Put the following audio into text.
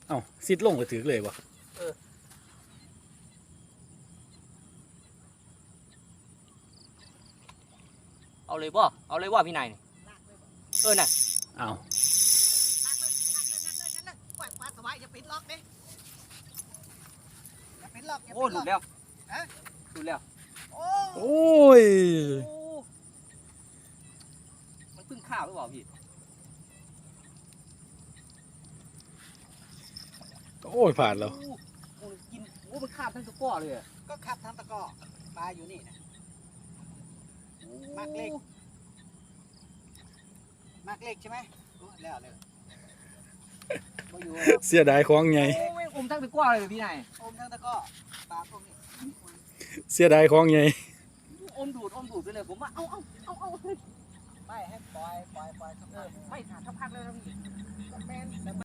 เอ้าซิดลงก็ถือเลยบ่เอาเลยบ่เอาเลยว่าพี่นายนี่น่ะเอ้าปล่อยปลาสวายอย่าปิดล็อกดิอย่าปิดล็อกโอ้หลุดแล้วหลุดแล้วโอ้ยมันเพิ่งข้าวหรือเปล่าพี่โอ้ยผ่านแล้วกินมันข้าวทั้งตะก้อเลยก็ขับทางตะกอปลาอยู่นี่นะมากเล็กใช่ไหมแล้วเลยเสียดายของไงอมทั้งตะก้อเลยพี่นายอมทางตะกอปลาพวกนี้เสียดายของไงอมดูดไปเลยผมว่าเอาไม่ให้ปล่อยไม่ถ้าพักเลยนะพี่